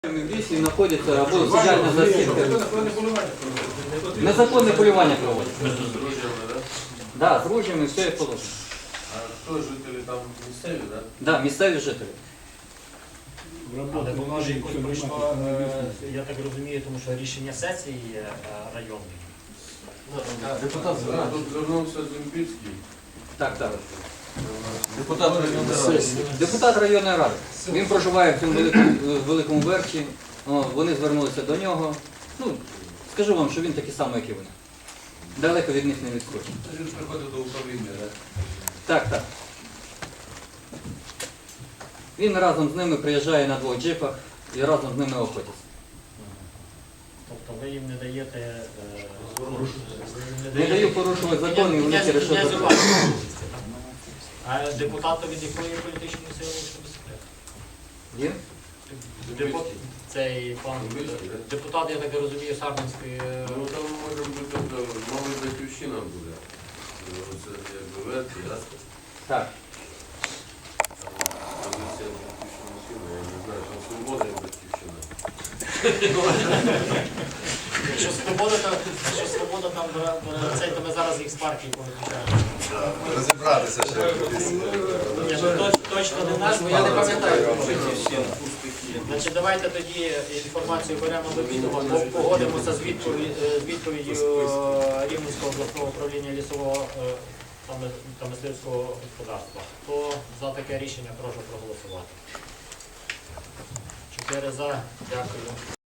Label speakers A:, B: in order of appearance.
A: В лісі знаходяться або соціальна засідка. Незаконне полювання проводять.
B: З ружьями, так?
A: Так, з ружьями, все як положено.
B: А хто жителі там місцеві, так?
A: Так, місцеві жителі.
C: Але воно ж якось пройшло, я так розумію, тому що рішення сесії районної.
B: Депутат тут звернувся Дзюмбільський.
A: Так, так.
B: Депутат районної ради.
A: Депутат районної ради. Він проживає в цьому великому верхі. Вони звернулися до нього. Ну, скажу вам, що він такий самий, як і вони. Далеко від них не відскочить.
B: Він приходив до управління, так?
A: Так, так. Він разом з ними приїжджає на двох джипах і разом з ними охотиться.
C: Тобто ви їм не даєте...
A: Не даю порушувати закон, і вони через що закон.
C: А депутат від якої політичної сили виступає?
A: Він?
C: Цей пан депутат, я так розумію, Сарненської...
B: Ну там може бути, мабуть, Батьківщина буде. Це якби верхи, так?
A: Так.
B: Позиція Батьківщина сильна, я не знаю, там свобода і Батьківщина.
C: Якщо свобода там цей, то ми зараз їх з партії повиключаємо.
D: Розібратися ще.
C: Точно не наш, бо я не пам'ятаю. Значить, давайте тоді інформацію беремо до відома, погодимося з відповіддю Рівненського обласного управління лісового та мисливського господарства. Хто за таке рішення, прошу проголосувати. 4 за. Дякую.